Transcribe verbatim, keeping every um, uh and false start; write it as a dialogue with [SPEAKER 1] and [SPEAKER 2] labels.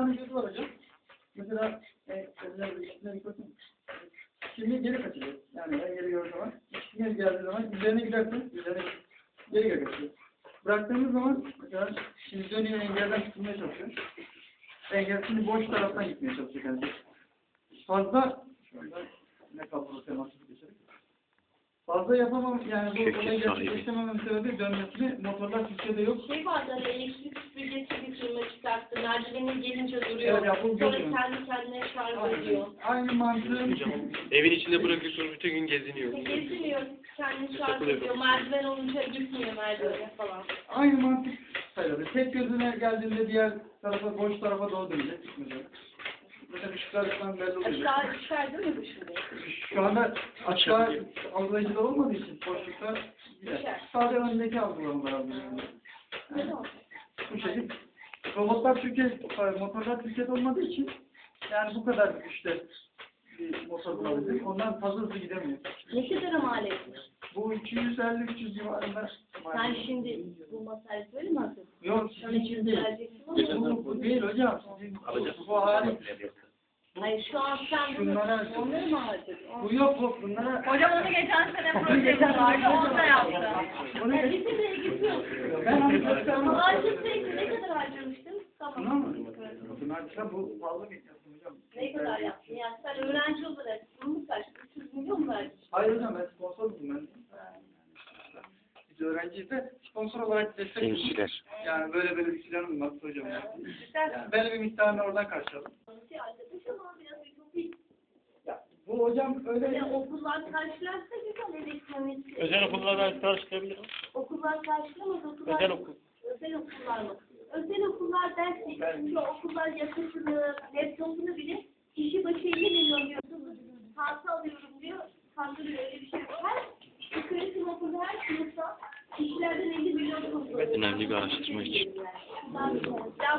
[SPEAKER 1] tane gözü var hocam. Mesela e, gözler bakın. Şimdi geri kaçacak. Yani en geri gördüğü zaman, geri geldiği zaman üzerine gidersin, üzerine geri geri kaçıyor. Bıraktığımız zaman mesela şimdi dönüyor, engelden çıkmaya çalışıyor. Engel şimdi boş taraftan gitmeye çalışıyor kendisi. Fazla şöyle ne kaldı teması geçelim. Fazla yapamam yani bu olayı gerçekleştirmememin sebebi dönmesini motorlar Türkiye'de yok.
[SPEAKER 2] Şey vardı hani elektrik süpürgesi bir firma çıkarttı. Merdivenin gelince duruyor.
[SPEAKER 1] Evet, ya, bu
[SPEAKER 2] sonra
[SPEAKER 1] görüyorum.
[SPEAKER 2] kendi kendine şarj ediyor.
[SPEAKER 1] Aynı mantığın
[SPEAKER 3] Evin içinde bırakıyorsunuz bütün gün geziniyor.
[SPEAKER 2] Geziniyor, kendini şarj ediyor. Merdiven olunca gitmiyor merdivene falan.
[SPEAKER 1] aynı mantık sayılır. Tek gözüne geldiğinde diğer tarafa, boş tarafa doğru dönecek. Mesela ışıklardan belli oluyor.
[SPEAKER 2] Aşağı çıkar değil mi bu şimdi?
[SPEAKER 1] Şu anda aşağı algılayıcıda olmadığı için boşlukta gider. Sadece öndeki algılamalar algılıyor. Yani, bu şekilde. Robotlar Türkiye, motorlar Türkiye'de olmadığı için yani bu kadar güçte bir motor bulabilir. Ondan fazla hızlı gidemiyor.
[SPEAKER 2] Ne kadar mal etmiş?
[SPEAKER 1] Bu iki yüz elli üç yüz civarında.
[SPEAKER 2] Sen şimdi bu masayı böyle mi hazırladın?
[SPEAKER 1] Yok, sizin için değil. Bu, bu değil hocam. Sizin bu, bu hali.
[SPEAKER 2] Hayır şu an sen bunu,
[SPEAKER 1] Şunlara,
[SPEAKER 2] onları mı harcadın?
[SPEAKER 1] bu yok bu bunlara.
[SPEAKER 2] Hocam onu geçen sene projesi vardı, onu da yaptı. Yani bize de ilgisi yok.
[SPEAKER 1] Ben harcıyorum.
[SPEAKER 2] Ama harcasaydı ne kadar harcamıştın?
[SPEAKER 1] Buna
[SPEAKER 2] Tamam.
[SPEAKER 1] mı? Bunlar bu pahalı bir yaptım hocam.
[SPEAKER 2] Ne kadar yaptın? Yani sen öğrenci olarak bunu kaç? üç yüz milyon mu verdin?
[SPEAKER 1] Hayır hocam ben sponsorum ben. Biz öğrenciyiz de sponsor olarak destek
[SPEAKER 3] Gençler.
[SPEAKER 1] yani böyle böyle bir planım var hocam. Yani belli bir miktarını oradan karşıladım.
[SPEAKER 2] Arkadaş ama biraz ütopik.
[SPEAKER 1] Ya bu hocam öyle
[SPEAKER 2] Böyle okullar karşılarsa güzel elektronik.
[SPEAKER 3] Özel okullardan karşılayabilirim.
[SPEAKER 2] Okullar karşılamaz, okullar...
[SPEAKER 3] Özel okul.
[SPEAKER 2] Özel okullar mı? Özel okullar derse, çünkü okullar yakıtını, laptopunu bile kişi başı elli milyon diyor. Tahta alıyorum diyor, kandırıyor öyle bir şey yok. Her yukarı sınıfında her sınıfta kişilerden elli milyon topluyor.
[SPEAKER 3] Önemli bir araştırma için.
[SPEAKER 2] Yani.